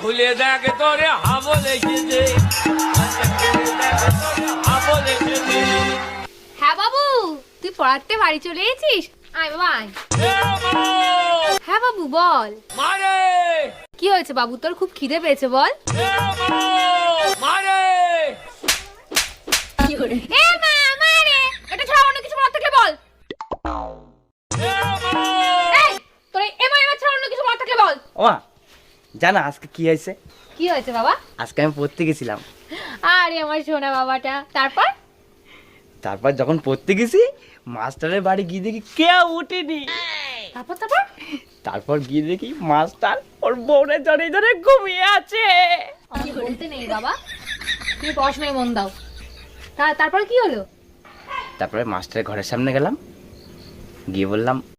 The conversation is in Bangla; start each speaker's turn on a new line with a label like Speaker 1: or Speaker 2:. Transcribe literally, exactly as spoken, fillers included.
Speaker 1: খুলে দেখ তোরে হাবল এসেছে। হাবল এসেছে।
Speaker 2: হ্যাঁ বাবু, তুই পড়াতে বাড়ি চলে এসেছিস? আয় বাবা আয়। হ্যাঁ বাবু বল।
Speaker 1: মারে
Speaker 2: কি হয়েছে বাবু, তোর খুব খিদে পেয়েছে বল।
Speaker 1: মারে
Speaker 2: এ মা মারে, এটা ছাড়া অন্য কিছু বলার থাকলে বল। এই তোর এ মা এমা ছাড়া অন্য কিছু বলার থাকলে বল।
Speaker 3: ওমা জানো আজকে কি হয়েছে?
Speaker 2: কি হয়েছে বাবা?
Speaker 3: আজকে আমি পড়তে গেছিলাম।
Speaker 2: আরে আমার সোনা বাবাটা। তারপর
Speaker 3: তারপর যখন পড়তে গেছি মাস্টারের বাড়ি গিয়ে দেখি কেউ উঠেনি।
Speaker 2: তারপর তারপর
Speaker 3: তারপর গিয়ে দেখি মাস্টার ওর বউরে ধরে ধরে ঘুমিয়ে আছে।
Speaker 2: আমি বলতে নেই বাবা, তুমি পড়াশোনায় মন দাও। তা তারপর কি হলো?
Speaker 3: তারপরে মাস্টারের ঘরের সামনে গেলাম, গিয়ে বললাম